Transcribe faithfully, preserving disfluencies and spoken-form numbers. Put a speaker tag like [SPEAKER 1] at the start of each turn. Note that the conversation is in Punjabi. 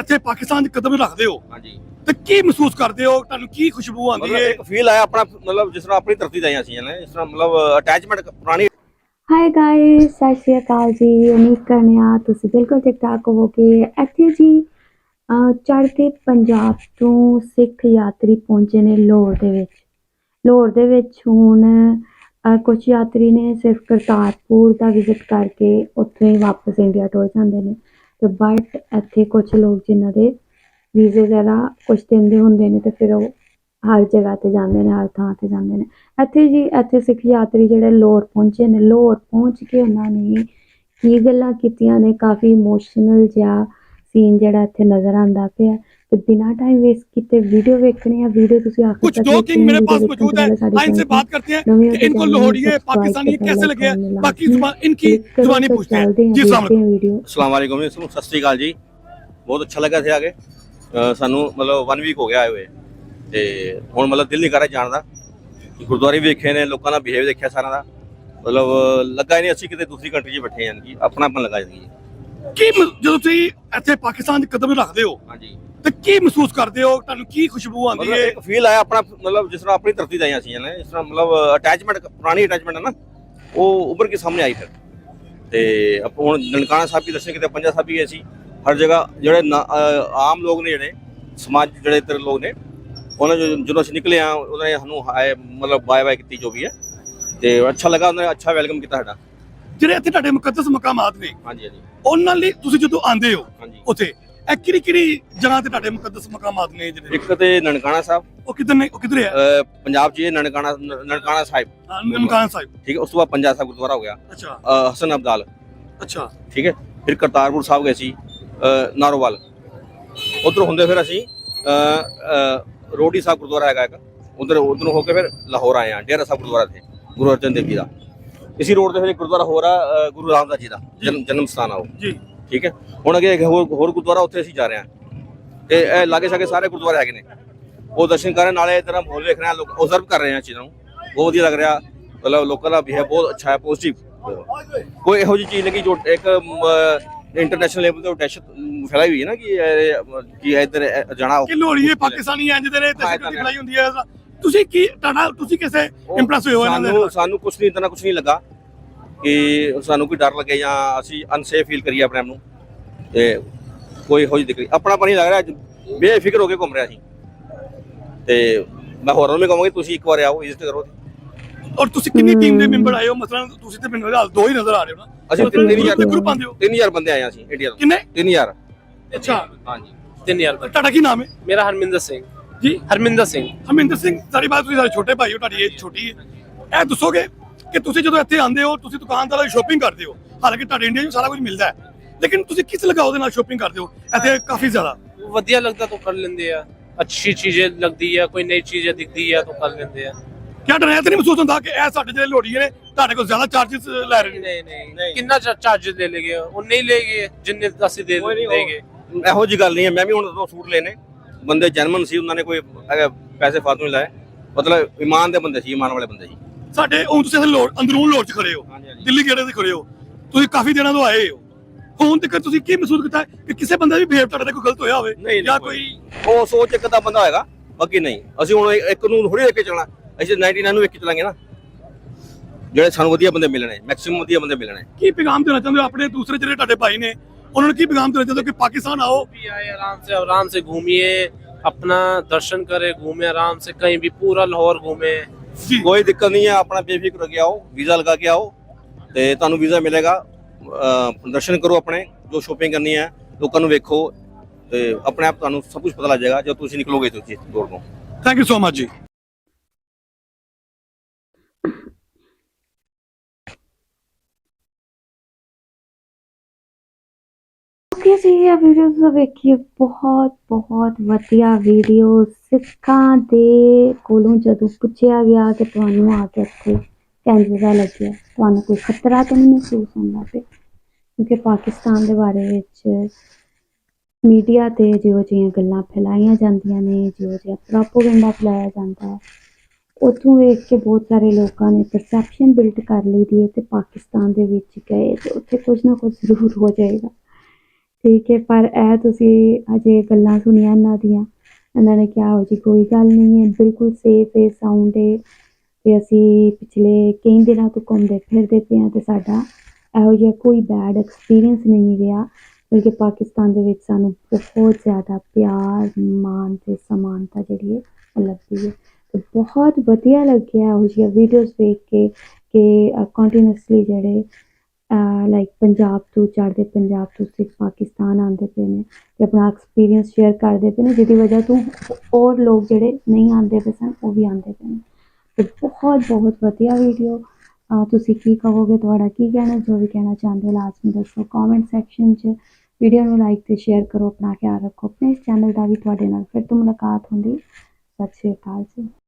[SPEAKER 1] ਇੱਥੇ ਪਾਕਿਸਤਾਨ 'ਚ ਕਦਮ ਰੱਖਦੇ ਹੋ
[SPEAKER 2] ਹਾਂਜੀ
[SPEAKER 1] ਤੇ ਕੀ ਮਹਿਸੂਸ ਕਰਦੇ ਹੋ? ਤੁਹਾਨੂੰ ਕੀ ਖੁਸ਼ਬੂ ਆਉਂਦੀ
[SPEAKER 2] ਮਤਲਬ
[SPEAKER 1] ਹੈ?
[SPEAKER 2] ਇੱਕ ਫੀਲ ਆਇਆ ਆਪਣਾ, ਮਤਲਬ ਜਿਸ ਤਰ੍ਹਾਂ ਆਪਣੀ ਧਰਤੀ ਦਾ ਹੀ ਅਸੀਂ ਨੇ, ਜਿਸ ਤਰ੍ਹਾਂ ਮਤਲਬ ਅਟੈਚਮੈਂਟ ਪੁਰਾਣੀ।
[SPEAKER 3] ਹਾਈ ਗਾਇਸ, ਸਤਿ ਸ਼੍ਰੀ ਅਕਾਲ ਜੀ। ਉਮੀਦ ਕਰਨੇ ਆ ਤੁਸੀਂ ਬਿਲਕੁਲ ਠੀਕ ਠਾਕ ਹੋਵੋਗੇ। ਇੱਥੇ ਜੀ ਚੜ੍ਹਦੇ ਪੰਜਾਬ ਤੋਂ ਸਿੱਖ ਯਾਤਰੀ ਪਹੁੰਚੇ ਨੇ ਲਾਹੌਰ ਦੇ ਵਿੱਚ। ਲਾਹੌਰ ਦੇ ਵਿੱਚ ਹੁਣ ਕੁਝ ਯਾਤਰੀ ਨੇ ਸਿਰਫ ਕਰਤਾਰਪੁਰ ਦਾ ਵਿਜ਼ਿਟ ਕਰਕੇ ਉੱਥੋਂ ਹੀ ਵਾਪਸ ਇੰਡੀਆ ਟੁਰ ਜਾਂਦੇ ਨੇ, ਤੇ ਬਟ ਇੱਥੇ ਕੁਝ ਲੋਕ ਜਿਨ੍ਹਾਂ ਦੇ ਵੀਜ਼ੇ ਵਗੈਰਾ ਕੁਝ ਦਿਨ ਦੇ ਹੁੰਦੇ ਨੇ ਤੇ ਫਿਰ ਉਹ ਹਰ ਜਗ੍ਹਾ ਤੇ ਜਾਂਦੇ ਨੇ, ਹਰ ਥਾਂ ਤੇ ਜਾਂਦੇ ਨੇ। ਇੱਥੇ ਜੀ ਇੱਥੇ ਸਿੱਖ ਯਾਤਰੀ ਜਿਹੜੇ ਲਾਹੌਰ ਪਹੁੰਚੇ ਨੇ, ਲਾਹੌਰ ਪਹੁੰਚ ਕੇ ਉਹਨਾਂ ਨੇ ਕੀ ਗੱਲਾਂ ਕੀਤੀਆਂ ਨੇ, ਕਾਫੀ ਇਮੋਸ਼ਨਲ ਜਿਹਾ ਸੀਨ ਜਿਹੜਾ ਇੱਥੇ ਨਜ਼ਰ ਆਉਂਦਾ ਪਿਆ। तो बिना टाइम वेस्ट किए वीडियो देखने हैं। वीडियो तुसी आखिर
[SPEAKER 1] कुछ दो किंग मेरे पास मौजूद है, आइए इनसे बात करते हैं कि इनको लाहौरिये पाकिस्तानी कैसे लगे, बाकी जुबान इनकी जुबानी पूछते हैं। जी अस्सलाम वालेकुम।
[SPEAKER 2] अस्सलाम वालेकुम, सत श्री अकाल जी। बहुत अच्छा लगा थे आके सानू, मतलब वन वीक हो गया आए हुए ते हुण मतलब दिल नहीं कर रहा जाण दा। गुरुद्वारे भी देखे ने, लोगों का बिहेव देखा सारा दा, मतलब लगा ही नहीं असीं किते दूसरी कंट्री 'च बैठे हैं कि अपनापन लगा जी।
[SPEAKER 1] ਕੀ ਜਦੋਂ ਤੁਸੀਂ ਇੱਥੇ ਪਾਕਿਸਤਾਨ 'ਚ ਕਦਮ ਰੱਖਦੇ ਹੋ
[SPEAKER 2] ਹਾਂਜੀ
[SPEAKER 1] ਤੇ ਕੀ ਮਹਿਸੂਸ ਕਰਦੇ ਹੋ? ਤੁਹਾਨੂੰ ਕੀ ਖੁਸ਼ਬੂ ਆਉਂਦੀ
[SPEAKER 2] ਮਤਲਬ
[SPEAKER 1] ਹੈ?
[SPEAKER 2] ਇੱਕ ਫੀਲ ਆਇਆ ਆਪਣਾ, ਮਤਲਬ ਜਿਸ ਤਰ੍ਹਾਂ ਆਪਣੀ ਧਰਤੀ ਦਾ ਹੀ ਅਸੀਂ ਨੇ, ਜਿਸ ਤਰ੍ਹਾਂ ਮਤਲਬ ਅਟੈਚਮੈਂਟ ਪੁਰਾਣੀ ਅਟੈਚਮੈਂਟ ਹੈ ਨਾ, ਉਹ ਉੱਭਰ ਕੇ ਸਾਹਮਣੇ ਆਈ ਫਿਰ। ਤੇ ਆਪਾਂ ਹੁਣ ਨਨਕਾਣਾ ਸਾਹਿਬ ਵੀ ਦਰਸ਼ਨ ਕੀਤੇ, ਪੰਜਾ ਸਾਹਿਬ ਵੀ ਗਏ ਸੀ। ਹਰ ਜਗ੍ਹਾ ਜਿਹੜੇ ਆਮ ਲੋਕ ਨੇ, ਜਿਹੜੇ ਸਮਾਜ ਜਿਹੜੇ ਇੱਧਰ ਲੋਕ ਨੇ, ਉਹਨਾਂ ਜਦੋਂ ਅਸੀਂ ਨਿਕਲੇ ਆ ਉਹਨਾਂ ਨੇ ਸਾਨੂੰ ਮਤਲਬ ਬਾਏ ਬਾਏ ਕੀਤੀ ਜੋ ਵੀ ਹੈ, ਤੇ ਅੱਛਾ ਲੱਗਾ, ਉਹਨਾਂ ਨੇ ਅੱਛਾ ਵੈਲਕਮ ਕੀਤਾ ਸਾਡਾ।
[SPEAKER 1] ਜਿਹੜੇ ਇੱਥੇ ਤੁਹਾਡੇ ਮੁਕੱਦਸ ਮਕਾਮਾਤ ਨੇ,
[SPEAKER 2] ਹਾਂਜੀ ਹਾਂਜੀ
[SPEAKER 1] ਉਹਨਾਂ ਲਈ ਤੁਸੀਂ ਜਦੋਂ ਆਉਂਦੇ ਹੋ
[SPEAKER 2] ਹਾਂਜੀ,
[SPEAKER 1] ਉੱਥੇ ਇਹ ਕਿਹੜੀ ਕਿਹੜੀ ਜਗ੍ਹਾ ਤੇ ਤੁਹਾਡੇ ਮੁਕੱਦਸ ਮਕਾਮਾਤ ਨੇ ਜਿਹੜੇ?
[SPEAKER 2] ਇੱਕ ਤੇ ਨਨਕਾਣਾ ਸਾਹਿਬ,
[SPEAKER 1] ਉਹ ਕਿੱਧਰ ਨੇ? ਉਹ ਕਿੱਧਰ ਹੈ?
[SPEAKER 2] ਅਹ ਪੰਜਾਬ 'ਚ ਇਹ ਨਨਕਾਣਾ ਨਨਕਾਣਾ ਸਾਹਿਬ,
[SPEAKER 1] ਨਨਕਾਣਾ ਸਾਹਿਬ,
[SPEAKER 2] ਠੀਕ ਹੈ। ਉਸ ਤੋਂ ਬਾਅਦ ਪੰਜਾ ਸਾਹਿਬ ਗੁਰਦੁਆਰਾ ਹੋ ਗਿਆ,
[SPEAKER 1] ਅੱਛਾ
[SPEAKER 2] ਅਹ ਹਸਨ ਅਬਦਾਲ,
[SPEAKER 1] ਅੱਛਾ
[SPEAKER 2] ਠੀਕ ਹੈ। ਫਿਰ ਕਰਤਾਰਪੁਰ ਸਾਹਿਬ ਗਏ ਸੀ, ਨਾਰੋਵਾਲ। ਉੱਧਰੋਂ ਹੁੰਦੇ ਫਿਰ ਅਸੀਂ ਰੋਡੀ ਸਾਹਿਬ ਗੁਰਦੁਆਰਾ ਹੈਗਾ ਇੱਕ, ਉਧਰ ਉਧਰੋਂ ਹੋ ਕੇ ਫਿਰ ਲਾਹੌਰ ਆਏ ਹਾਂ। ਡੇਰਾ ਸਾਹਿਬ ਗੁਰਦੁਆਰਾ ਥੇ ਗੁਰੂ ਅਰਜਨ ਦੇਵ ਜੀ ਦਾ। ਇसी रोड ਤੇ ਫਿਰ ਇੱਕ ਗੁਰਦੁਆਰਾ ਹੋ ਰਿਹਾ ਗੁਰੂ ਰਾਮਦਾਸ ਜੀ ਦਾ ਜਨਮ ਜਨਮ ਸਥਾਨ ਆ ਉਹ, ਜੀ ਠੀਕ ਹੈ। ਹੁਣ ਅੱਗੇ ਹੋਰ ਹੋਰ ਗੁਰਦੁਆਰਾ ਉੱਥੇ ਅਸੀਂ ਜਾ ਰਹੇ ਹਾਂ, ਤੇ ਇਹ ਲਾਗੇ ਸਾਗੇ ਸਾਰੇ ਗੁਰਦੁਆਰੇ ਹੈਗੇ ਨੇ, ਉਹ ਦਰਸ਼ਨ ਕਰਨ ਨਾਲੇ ਇਧਰ ਮਾਹੌਲ ਵੇਖ ਰਹੇ ਹਾਂ, ਲੋਕ ਓਬਜ਼ਰਵ ਕਰ ਰਹੇ ਹਾਂ ਚੀਜ਼ਾਂ ਨੂੰ। ਬਹੁਤ ਵਧੀਆ ਲੱਗ ਰਿਹਾ, ਮਤਲਬ ਲੋਕਾਂ ਦਾ ਬਿਹੇਵ ਬਹੁਤ ਅੱਛਾ ਹੈ, ਪੋਜ਼ਿਟਿਵ। ਕੋਈ ਇਹੋ ਜਿਹੀ ਚੀਜ਼ ਨਹੀਂ ਕਿ ਜੋ ਇੱਕ ਇੰਟਰਨੈਸ਼ਨਲ ਲੈਵਲ ਤੇ ਦਹਿਸ਼ਤ ਫੈਲਾਈ ਹੋਈ ਹੈ ਨਾ ਕਿ ਕਿ ਇੱਧਰ ਜਾਣਾ
[SPEAKER 1] ਕਿ ਲਾਹੌਰੀਏ ਪਾਕਿਸਤਾਨੀ ਇੰਜ ਦੇ ਨੇ, ਦਹਿਸ਼ਤ ਫੈਲਾਈ ਹੁੰਦੀ ਹੈ। ਤੁਸੀਂ ਕੀ ਤੁਹਾਡਾ ਤੁਸੀਂ ਕਿਸੇ ਇੰਪ੍ਰੈਸ ਹੋਏ ਹੋ ਇਹਨਾਂ ਦੇ?
[SPEAKER 2] ਸਾਨੂੰ ਸਾਨੂੰ ਕੁਝ ਨਹੀਂ, ਇਤਨਾ ਕੁਝ ਨਹੀਂ ਲੱਗਾ ਕਿ ਸਾਨੂੰ ਕੋਈ ਡਰ ਲੱਗੇ ਜਾਂ ਅਸੀਂ ਅਨਸੇਫ ਫੀਲ ਕਰੀਏ ਆਪਣੇ ਆਪ ਨੂੰ, ਤੇ ਕੋਈ ਇਹੋ ਜਿਹੀ ਦਿੱਕਤ ਆਪਣਾ ਪਾਣੀ ਲੱਗ ਰਿਹਾ, ਬੇਫਿਕਰ ਹੋ ਕੇ ਘੁੰਮ ਰਿਹਾ ਸੀ। ਤੇ ਮੈਂ ਹੋਰਾਂ ਨੂੰ ਵੀ ਕਹਾਂਗਾ ਤੁਸੀਂ ਇੱਕ ਵਾਰ ਆਓ, ਵਿਜ਼ਿਟ ਕਰੋ।
[SPEAKER 1] ਔਰ ਤੁਸੀਂ ਕਿੰਨੀ ਟੀਮ ਦੇ ਮੈਂਬਰ ਆਏ ਹੋ? ਮਸਲਾਂ ਤੁਸੀਂ ਤੇ ਮੈਨੂੰ ਹਾਲ ਦੋ ਹੀ ਨਜ਼ਰ ਆ ਰਹੇ ਹੋ ਨਾ।
[SPEAKER 2] ਅਸੀਂ ਤਿੰਨ ਹਜ਼ਾਰ
[SPEAKER 1] ਗਰੁੱਪ ਆਂਦੇ ਹੋ?
[SPEAKER 2] ਤਿੰਨ ਹਜ਼ਾਰ ਬੰਦੇ ਆਏ ਅਸੀਂ ਇੰਡੀਆ ਤੋਂ।
[SPEAKER 1] ਕਿੰਨੇ?
[SPEAKER 2] ਤਿੰਨ ਹਜ਼ਾਰ।
[SPEAKER 1] ਅੱਛਾ
[SPEAKER 2] ਹਾਂਜੀ
[SPEAKER 4] ਤਿੰਨ ਹਜ਼ਾਰ।
[SPEAKER 1] ਤੁਹਾਡਾ ਕੀ ਨਾਮ ਹੈ?
[SPEAKER 4] ਮੇਰਾ ਹਰਮਿੰਦਰ ਸਿੰਘ
[SPEAKER 1] ਜੀ।
[SPEAKER 4] ਹਰਮਿੰਦਰ ਸਿੰਘ।
[SPEAKER 1] ਹਰਮਿੰਦਰ ਸਿੰਘ, ਸਾਡੀ ਬਾਤ ਤੁਸੀਂ ਸਾਡੇ ਛੋਟੇ ਭਾਈ ਹੋ, ਤੁਹਾਡੀ ਏਜ ਛੋਟੀ ਹੈ। ਇਹ ਦੱਸੋਗੇ ਕਿ ਤੁਸੀਂ ਜਦੋਂ ਇੱਥੇ ਆਉਂਦੇ ਹੋ ਤੁਸੀਂ ਦੁਕਾਨਦਾਰਾਂ ਦੀ ਸ਼ੋਪਿੰਗ ਕਰਦੇ ਹੋ, ਹਾਲਾਂਕਿ ਤੁਹਾਡੇ ਇੰਡੀਆ 'ਚ ਸਾਰਾ ਕੁਝ ਮਿਲਦਾ ਹੈ, ਲੇਕਿਨ ਤੁਸੀਂ ਕਿਸ ਲਗਾਓ ਦੇ ਨਾਲ ਸ਼ੋਪਿੰਗ ਕਰਦੇ ਹੋ ਇੱਥੇ ਕਾਫੀ ਜ਼ਿਆਦਾ?
[SPEAKER 4] ਵਧੀਆ ਲੱਗਦਾ ਤਾਂ ਕਰ ਲੈਂਦੇ ਆ, ਅੱਛੀ ਚੀਜ਼ਾਂ ਲੱਗਦੀ ਆ, ਕੋਈ ਨਈ ਚੀਜ਼ਾਂ ਦਿਖਦੀ ਆ ਤਾਂ ਕਰ ਲੈਂਦੇ ਆ।
[SPEAKER 1] ਕਿਆ ਡਰ ਹੈ ਤਾਂ ਨਹੀਂ ਮਹਿਸੂਸ ਹੁੰਦਾ ਕਿ ਇਹ ਸਾਡੇ ਜਿਹੜੇ ਲੋੜੀਏ ਨੇ ਤੁਹਾਡੇ ਕੋਲ ਜ਼ਿਆਦਾ ਚਾਰजेस ਲੈ ਰਹੇ ਨੇ?
[SPEAKER 4] ਨਹੀਂ ਨਹੀਂ, ਕਿੰਨਾ ਚਾਰजेस ਲੈ ਲੇਗੇ? ਉਹ ਨਹੀਂ ਲੇਗੇ ਜਿੰਨੇ ਅਸੀਂ ਦੇ ਦੇਗੇ।
[SPEAKER 2] ਇਹੋ ਜਿਹੀ ਗੱਲ ਨਹੀਂ ਹੈ। ਮੈਂ ਵੀ ਹੁਣ ਦੋ ਸੂਟ ਲੈਣੇ, ਬੰਦੇ ਜਨਮਨ ਸੀ, ਉਹਨਾਂ ਨੇ ਕੋਈ ਪੈਸੇ ਫਾਲਤੂ ਨਹੀਂ ਲਾਏ, ਮਤਲਬ ਇਮਾਨ ਦੇ ਬੰਦੇ ਸੀ, ਇਮਾਨ ਵਾਲੇ ਬੰਦੇ ਸੀ
[SPEAKER 1] ਸਾਡੇ। ਹੁਣ ਤੁਸੀਂ ਲੋੜ ਅੰਦਰੂਨ ਲੋੜ 'ਚ ਖੜੇ ਹੋ, ਦਿੱਲੀ ਗੇੜੇ ਤੇ ਖੜੇ ਹੋ, ਤੁਸੀਂ ਕਾਫੀ ਦਿਨਾਂ ਤੋਂ ਆਏ ਹੋ। ਹੁਣ ਤੱਕ ਤੁਸੀਂ ਕੀ ਮਹਿਸੂਸ ਕੀਤਾ ਕਿ ਕਿਸੇ ਬੰਦੇ ਵੀ ਬਿਹੇਵ ਤੁਹਾਡੇ ਕੋਈ ਗਲਤ ਹੋਇਆ ਹੋਵੇ ਜਾਂ ਕੋਈ
[SPEAKER 2] ਉਹ ਸੋਚ ਇੱਕ ਦਾ ਬੰਦਾ ਹੋਏਗਾ, ਬਾਕੀ ਨਹੀਂ। ਅਸੀਂ ਹੁਣ ਇੱਕ ਨੂੰ ਥੋੜੀ ਵੇਖ ਕੇ ਚੱਲਣਾ, ਅਸੀਂ ਨਾਈਨਟੀ ਨਾਈਨ ਨੂੰ ਵੇਖ ਕੇ ਚੱਲਾਂਗੇ ਨਾ। ਜਿਹੜੇ ਸਾਨੂੰ ਵਧੀਆ ਬੰਦੇ ਮਿਲਣੇ, ਮੈਕਸਿਮਮ ਵਧੀਆ ਬੰਦੇ ਮਿਲਣੇ।
[SPEAKER 1] ਕੀ ਪੈਗਾਮ ਦੇਣਾ ਚਾਹੁੰਦੇ ਹੋ ਆਪਣੇ ਦੂਸਰੇ ਜਿਹੜੇ ਤੁਹਾਡੇ ਭਾਈ ਨੇ, ਉਹਨਾਂ ਨੂੰ ਕੀ ਪੈਗਾਮ ਦੇਣਾ ਚਾਹੁੰਦੇ ਹੋ ਕਿ ਪਾकिस्तान आओ,
[SPEAKER 4] भी आए, आराम से आराम से घूमिए, अपना दर्शन करे, घूमे आराम से, कहीं भी पूरा लाहौर घूमे।
[SPEAKER 2] कोई दिक्कत नहीं है, अपना बेफिक्र होके आओ, वीजा लगा के आओ, ਤੇ ਤੁਹਾਨੂੰ ਵੀਜ਼ਾ ਮਿਲੇਗਾ। ਦਰਸ਼ਨ ਕਰੋ ਆਪਣੇ, ਜੋ ਸ਼ੋਪਿੰਗ ਕਰਨੀ ਹੈ, ਲੋਕਾਂ ਨੂੰ ਵੇਖੋ, ਤੇ ਆਪਣੇ ਆਪ ਤੁਹਾਨੂੰ ਸਭ ਕੁਝ ਪਤਾ ਲੱਗ ਜਾਏਗਾ ਜਦ ਤੁਸੀਂ ਨਿਕਲੋਗੇ ਤੁਸੀਂ ਦੌੜ ਤੋਂ।
[SPEAKER 1] ਥੈਂਕ ਯੂ ਸੋ ਮਚ ਜੀ।
[SPEAKER 3] ਓਕੇ ਜੀ, ਇਹ ਵੀਡੀਓ ਤੁਸੀਂ ਵੇਖੀਏ, ਬਹੁਤ ਬਹੁਤ ਵਧੀਆ ਵੀਡੀਓ। ਸਿੱਖਾਂ ਦੇ ਕੋਲੋਂ ਜਦੋਂ ਪੁੱਛਿਆ ਗਿਆ ਕਿ ਤੁਹਾਨੂੰ ਆ ਕੇ ਇੱਥੇ ਕਿੰਝ ਲੱਗਿਆ, ਤੁਹਾਨੂੰ ਕੋਈ ਖਤਰਾ ਤਾਂ ਨਹੀਂ ਮਹਿਸੂਸ ਹੁੰਦਾ ਪਿਆ? ਕਿਉਂਕਿ ਪਾਕਿਸਤਾਨ ਦੇ ਬਾਰੇ ਵਿੱਚ ਮੀਡੀਆ 'ਤੇ ਜਿਹੋ ਜਿਹੀਆਂ ਗੱਲਾਂ ਫੈਲਾਈਆਂ ਜਾਂਦੀਆਂ ਨੇ, ਜਿਹੋ ਜਿਹਾ ਪ੍ਰੋਪੇਗੈਂਡਾ ਫੈਲਾਇਆ ਜਾਂਦਾ ਹੈ, ਉੱਥੋਂ ਵੇਖ ਕੇ ਬਹੁਤ ਸਾਰੇ ਲੋਕਾਂ ਨੇ ਪਰਸੈਪਸ਼ਨ ਬਿਲਡ ਕਰ ਲਈ ਦੀ ਹੈ, ਅਤੇ ਪਾਕਿਸਤਾਨ ਦੇ ਵਿੱਚ ਗਏ ਅਤੇ ਉੱਥੇ ਕੁਝ ਨਾ ਕੁਝ ਜ਼ਰੂਰ ਹੋ ਜਾਏਗਾ। ਠੀਕ ਹੈ, ਪਰ ਇਹ ਤੁਸੀਂ ਅਜੇ ਗੱਲਾਂ ਸੁਣੀਆਂ ਇਹਨਾਂ ਦੀਆਂ, ਇਹਨਾਂ ਨੇ ਕਿਹਾ ਇਹੋ ਜਿਹੀ ਕੋਈ ਗੱਲ ਨਹੀਂ ਹੈ, ਬਿਲਕੁਲ ਸੇਫ ਹੈ, ਸਾਊਂਡ ਹੈ ਤੇ ਅਸੀਂ ਪਿਛਲੇ ਕਈ ਦਿਨਾਂ ਤੋਂ ਘੁੰਮਦੇ ਫਿਰਦੇ ਪਏ ਹਾਂ ਤੇ ਸਾਡਾ ਇਹੋ ਜਿਹਾ ਕੋਈ ਬੈਡ ਐਕਸਪੀਰੀਅੰਸ ਨਹੀਂ ਰਿਹਾ, ਬਲਕਿ ਪਾਕਿਸਤਾਨ ਦੇ ਵਿੱਚ ਸਾਨੂੰ ਬਹੁਤ ਜ਼ਿਆਦਾ ਪਿਆਰ, ਮਾਣ ਤੇ ਸਮਾਨਤਾ ਜਿਹੜੀ ਹੈ ਉਹ ਲੱਭਦੀ ਹੈ। ਤੇ ਬਹੁਤ ਵਧੀਆ ਲੱਗਿਆ ਇਹੋ ਜਿਹੀਆਂ ਵੀਡੀਓਜ਼ ਵੇਖ ਕੇ ਕਿ ਕੰਟੀਨਿਊਸਲੀ ਜਿਹੜੇ ਲਾਈਕ ਪੰਜਾਬ ਤੋਂ ਚੜ੍ਹਦੇ ਪੰਜਾਬ ਤੋਂ ਸਿੱਖ ਪਾਕਿਸਤਾਨ ਆਉਂਦੇ ਪਏ ਨੇ ਤੇ ਆਪਣਾ ਐਕਸਪੀਰੀਅੰਸ ਸ਼ੇਅਰ ਕਰਦੇ ਪਏ ਨੇ, ਜਿਹਦੀ ਵਜ੍ਹਾ ਤੋਂ ਹੋਰ ਲੋਕ ਜਿਹੜੇ ਨਹੀਂ ਆਉਂਦੇ ਪਏ ਸਨ ਉਹ ਵੀ ਆਉਂਦੇ ਪਏ ਨੇ। ਤੇ ਬਹੁਤ ਬਹੁਤ ਵਧੀਆ ਵੀਡੀਓ। ਤੁਸੀਂ ਕੀ ਕਹੋਗੇ, ਤੁਹਾਡਾ ਕੀ ਕਹਿਣਾ, ਜੋ ਵੀ ਕਹਿਣਾ ਚਾਹੁੰਦੇ ਹੋ ਲਾਜ਼ਮੀ ਦੱਸੋ ਕਮੈਂਟ ਸੈਕਸ਼ਨ 'ਚ। ਵੀਡੀਓ ਨੂੰ ਲਾਈਕ ਤੇ ਸ਼ੇਅਰ ਕਰੋ, ਆਪਣਾ ਖਿਆਲ ਰੱਖੋ, ਆਪਣੇ ਇਸ ਚੈਨਲ ਦਾ ਵੀ ਤੁਹਾਡੇ ਨਾਲ ਫਿਰ ਤੋਂ ਮੁਲਾਕਾਤ ਹੁੰਦੀ। ਸਤਿ ਸ਼੍ਰੀ ਅਕਾਲ ਜੀ।